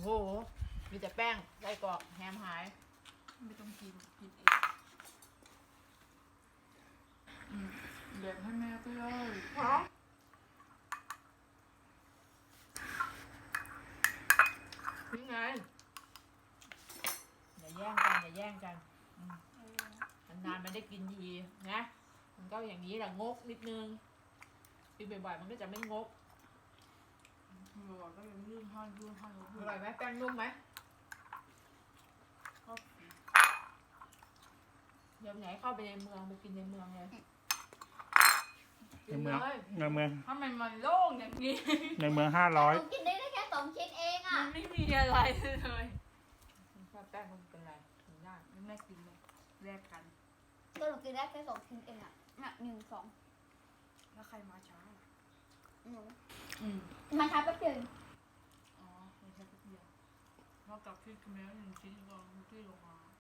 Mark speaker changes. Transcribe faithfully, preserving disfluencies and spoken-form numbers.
Speaker 1: โหมีแต่แป้งไส้กรอกแฮมหาย
Speaker 2: ไม่ต้องกินกินเองอืมแบ่งให้แม่ก็ได้
Speaker 1: นี่ไงอย่าแย่งกันอย่าแย่งกันนานๆมันได้กินทีนะมันก็อย่างนี้แหละงกนิดนึงกินบ่อยๆมันก็จะไม่งก
Speaker 2: หลอดก็ยังยื่นให้ยื่นให้
Speaker 1: อร่อยไหมแป้งนุ่มไหม
Speaker 2: ก็
Speaker 1: เดี๋ยวไหนเข้าไปในเมืองไปกินในเมืองเลย
Speaker 3: ในเมืองในเมือง
Speaker 2: ทำไมมันโล่งอย่างนี้
Speaker 3: ในเมืองห้าร้อย
Speaker 4: หนูกินได้แค่สองชิ้นเองอ่ะ
Speaker 2: มันไม่มีอะไรเลย
Speaker 1: ชอบแป้งมันเป็นไรถึงได้
Speaker 2: แม่กินเลยแลกกัน
Speaker 4: ก็หนูกินได้แค่สองชิ้นเองอ่ะน่ะหนึ่งสอง
Speaker 2: แล้วใครมาช้า
Speaker 4: หนู
Speaker 2: อืม
Speaker 4: มาช้าแป๊บเดียว
Speaker 2: อ๋อไม่ใช่แป๊บเดียวเท่ากับที่คุณแม่หนึ่งชิ้นก่อนที่ลงมา